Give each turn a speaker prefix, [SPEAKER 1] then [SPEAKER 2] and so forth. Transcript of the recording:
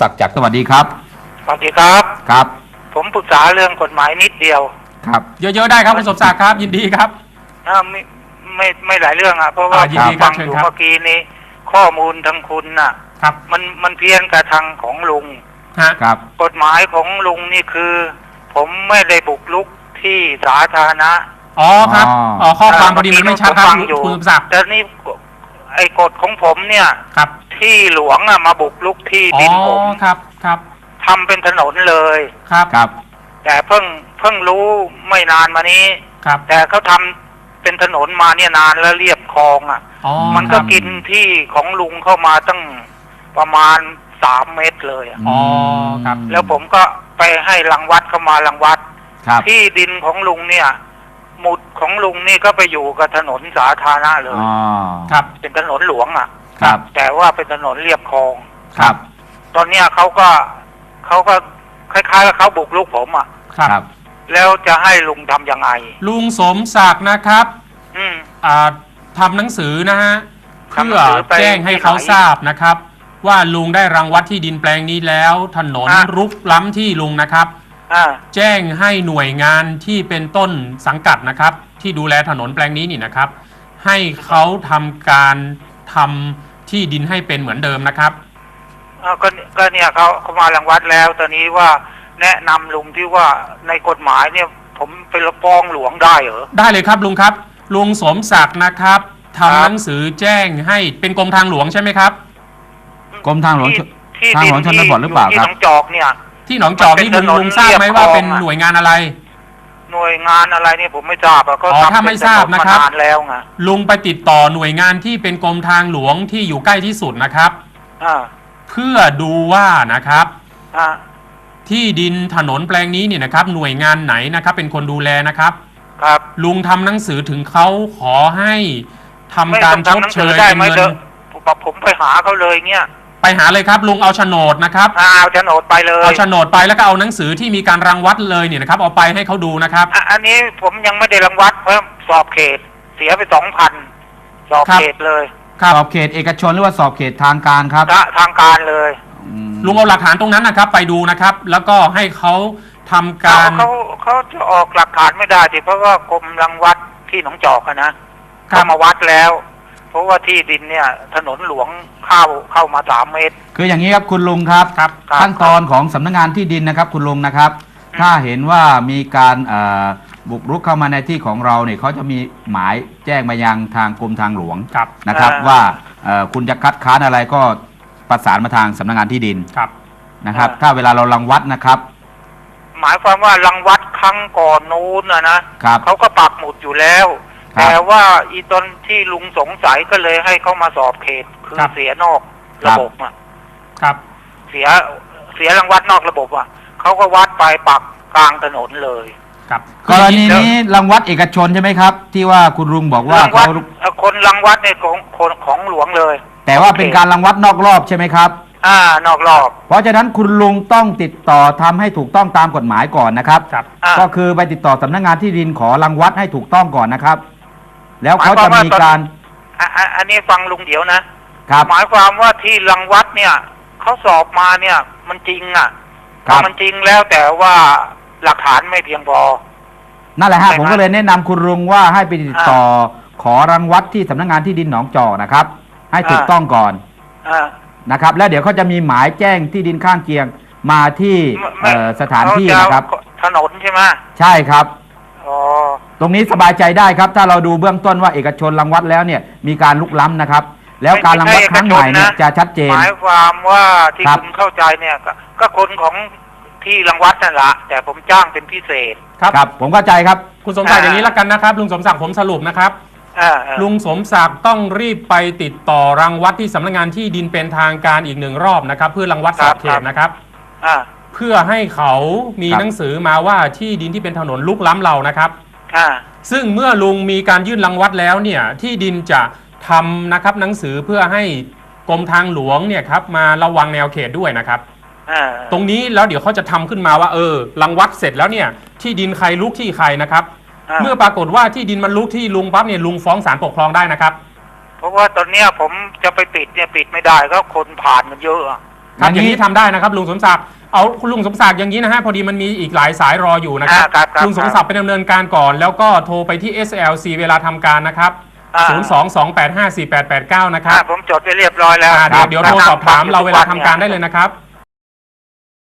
[SPEAKER 1] ศักดิ์จากสวัสดีครับ
[SPEAKER 2] สวัสดีครับ
[SPEAKER 1] ครับ
[SPEAKER 2] ผมปรึกษาเรื่องกฎหมายนิดเดียว
[SPEAKER 1] ครับ
[SPEAKER 3] เยอะๆได้ครับคุณสมศักดิ์ครับยินดีครับ
[SPEAKER 2] ไม่หลายเรื่องอ่ะเพราะว่าฟังอยู่เมื่อกี้นี้ข้อมูลทางคุณน่ะ
[SPEAKER 3] ครับ
[SPEAKER 2] มันเพี้ยนกับทางของลุง
[SPEAKER 1] ครับ
[SPEAKER 2] กฎหมายของลุงนี่คือ ผมไม่ได้บุกรุกที่สาธารณะ
[SPEAKER 3] อ๋อครับข้อความพอดีมันไม่ชัดครับคุณสมศักดิ์
[SPEAKER 2] แต่นี่ไอ้กฎของผมเนี่ย
[SPEAKER 3] ครับ
[SPEAKER 2] ที่หลวงอ่ะมาบุกรุกที่ดินผม
[SPEAKER 3] ครับ
[SPEAKER 2] ทำเป็นถนนเลย
[SPEAKER 3] ครับ
[SPEAKER 2] แต่เพิ่งรู้ไม่นานมานี้
[SPEAKER 3] ครับ
[SPEAKER 2] แต่เขาทำเป็นถนนมาเนี่ยนานแล้วเรียบคลองอ่ะมันก็กินที่ของลุงเข้ามาตั้งประมาณ3 เมตรเลย
[SPEAKER 3] อ๋อครับ
[SPEAKER 2] แล้วผมก็ไปให้รังวัดเข้ามารังวัดที่ดินของลุงเนี่ยหมุดของลุงนี่ก็ไปอยู่กับถนนสาธารณะเลย
[SPEAKER 3] ครับ
[SPEAKER 2] เป็นถนนหลวงอ่ะ
[SPEAKER 1] ครับ
[SPEAKER 2] แต่ว่าเป็นถนนเรียบคลอง
[SPEAKER 1] ครับ
[SPEAKER 2] ตอนเนี้ยเขาก็คล้ายๆกับเขาบุกรุกผมอ่ะ
[SPEAKER 1] ครับ
[SPEAKER 2] แล้วจะให้ลุงทำยังไง
[SPEAKER 3] ลุงสมศักดิ์นะครับทำหนังสือนะฮะเพื่อแจ้งให้เขาทราบนะครับว่าลุงได้รังวัดที่ดินแปลงนี้แล้วถนนรุกล้ำที่ลุงนะครับแจ้งให้หน่วยงานที่เป็นต้นสังกัดนะครับที่ดูแลถนนแปลงนี้นี่นะครับให้เขาทำการทำที่ดินให้เป็นเหมือนเดิมนะครับ
[SPEAKER 2] ก็เนี่ยเขามารังวัดแล้วตอนนี้ว่าแนะนำลุงที่ว่าในกฎหมายเนี่ยผมไปฟ้องหลวงได้เหรอ
[SPEAKER 3] ได้เลยครับลุงครับลุงสมศักดิ์นะครับทำหนังสือแจ้งให้เป็นกรมทางหลวงใช่ไหมครับ
[SPEAKER 1] กรมทางหลวงชนบทหรือเปล่าครับ
[SPEAKER 2] ที่หนองจอกเนี่ย
[SPEAKER 3] ที่หนองจอกนี่ลุงทราบไหมว่าเป็นหน่วยงานอะไร
[SPEAKER 2] หน่วยงานอะไรเนี่ยผมไม่ทราบก็
[SPEAKER 3] ถ้าไม่ทราบนะครับ
[SPEAKER 2] นานแล้วไง
[SPEAKER 3] ลุงไปติดต่อหน่วยงานที่เป็นกรมทางหลวงที่อยู่ใกล้ที่สุดนะครับเพื่อดูว่านะครับที่ดินถนนแปลงนี้เนี่ยนะครับหน่วยงานไหนนะครับเป็นคนดูแลนะครับ
[SPEAKER 2] ครับ
[SPEAKER 3] ลุงทำหนังสือถึงเขาขอให้ทำการชดเชย
[SPEAKER 2] เป็นเงินผมไปหาเขาเลยเงี้ย
[SPEAKER 3] ไปหาเลยครับลุงเอาโฉนดนะครับ
[SPEAKER 2] เอาโฉนดไปเลย
[SPEAKER 3] เอาโฉนดไปแล้วก็เอาหนังสือที่มีการรังวัดเลยเนี่ยนะครับเอาไปให้เขาดูนะครับ
[SPEAKER 2] อันนี้ผมยังไม่ได้รังวัดเพราะสอบเขตเสียไป 2,000 สอบเขตเลย
[SPEAKER 1] สอบเขตเอกชนหรือว่าสอบเขตทางการครับ
[SPEAKER 2] ทางการเลย
[SPEAKER 3] ลุงเอาหลักฐานตรงนั้นนะครับไปดูนะครับแล้วก็ให้เขาทำการ
[SPEAKER 2] เขาจะออกหลักฐานไม่ได้เพราะว่ากรมรังวัดที่หนองจอกนะเขามาวัดแล้วเพราะว่าที่ดินเนี่ยถนนหลวงเข้ามา3 เมตร
[SPEAKER 1] คืออย่างนี้ครับคุณลุงครับขั้นตอนของสำนักงานที่ดินนะครับคุณลุงนะครับถ้าเห็นว่ามีการบุกรุกเข้ามาในที่ของเราเนี่ยเขาจะมีหมายแจ้งมายังทางกรมทางหลวงนะครับว่าคุณจะคัดค้านอะไรก็ประสานมาทางสำนักงานที่ดินนะครับถ้าเวลาเรารังวัดนะครับ
[SPEAKER 2] หมายความว่ารังวัดครั้งก่อนนู้นนะเขาก็ปักหมุดอยู่แล้วแต่ว่าอีตนที่ลุงสงสัยก็เลยให้เขามาสอบเขตคือเสียนอกระบบเสียรังวัดนอกระบบเขาก็วัดไปปักกลางถนนเลย
[SPEAKER 1] กรณีนี้รังวัดเอกชนใช่ไหมครับที่ว่าคุณลุงบอกว่าเขา
[SPEAKER 2] คนรังวัดเนี่ยของหลวงเลย
[SPEAKER 1] แต่ว่าเป็นการรังวัดนอกรอบใช่ไหมครับ
[SPEAKER 2] นอกรอบ
[SPEAKER 1] เพราะฉะนั้นคุณลุงต้องติดต่อทำให้ถูกต้องตามกฎหมายก่อนนะครับก็คือไปติดต่อสำนักงานที่ดินขอรังวัดให้ถูกต้องก่อนนะครับแล้วเขาจะมีการ
[SPEAKER 2] อันนี้ฟังลุงเดี๋ยวนะหมายความว่าที่รังวัดเนี่ยเขาสอบมาเนี่ยมันจริงมันจริงแล้วแต่ว่าหลักฐานไม่เพียงพอ
[SPEAKER 1] นั่นแหละฮะผมก็เลยแนะนำคุณลุงว่าให้ไปติดต่อขอรังวัดที่สำนักงานที่ดินหนองจอกนะครับให้ถูกต้องก่อนนะครับแล้วเดี๋ยวเขาจะมีหมายแจ้งที่ดินข้างเคียงมาที่สถานที่นะครับ
[SPEAKER 2] ถนนใช่ไหม
[SPEAKER 1] ใช่ครับตรงนี้สบายใจได้ครับถ้าเราดูเบื้องต้นว่าเอกชนรังวัดแล้วเนี่ยมีการลุกล้ำนะครับแล้วการรังวัดครั้งใหม่เนี่ยจะชัดเจน
[SPEAKER 2] หมายความว่าที่คุณเข้าใจเนี่ยก็คนของที่รังวัดนั่นแหละแต่ผมจ้างเป็นพิเศษ
[SPEAKER 1] ครับผมเข้าใจครับ
[SPEAKER 3] คุณสมศักดิ์อย่างนี้ละกันนะครับลุงสมศักดิ์ผมสรุปนะครับลุงสมศักดิ์ต้องรีบไปติดต่อรังวัดที่สำนักงานที่ดินเป็นทางการอีก1 รอบนะครับเพื่อรังวัดสอบเขตนะครับเพื่อให้เขามีหนังสือมาว่าที่ดินที่เป็นถนนลุกล้ำเรานะครับซึ่งเมื่อลุงมีการยื่นรังวัดแล้วเนี่ยที่ดินจะทำนะครับหนังสือเพื่อให้กรมทางหลวงเนี่ยครับมาระวังแนวเขตด้วยนะครับตรงนี้แล้วเดี๋ยวเขาจะทำขึ้นมาว่ารังวัดเสร็จแล้วเนี่ยที่ดินใครลุกที่ใครนะครับเมื่อปรากฏว่าที่ดินมันลุกที่ลุงปั๊บเนี่ยลุงฟ้องศาลปกครองได้นะครับ
[SPEAKER 2] เพราะว่าตอนเนี้ยผมจะไปปิดเนี่ยปิดไม่ได้ก็คนผ่านมันเยอะ
[SPEAKER 3] ครับอย่างนี้ทำได้นะครับลุงสมศักดิ์เอาคุณลุงสมศักดิ์อย่างนี้นะฮะพอดีมันมีอีกหลายสายรออยู่นะครับลุงสมศักดิ์ไปดำเนินการก่อนแล้วก็โทรไปที่ SLC เวลาทำการนะครับ022854889นะครับ
[SPEAKER 2] ผมจดไปเรียบร้อยแล้ว
[SPEAKER 3] เดี๋ยวโทรสอบถามเราเวลาทำการได้เลยนะครับ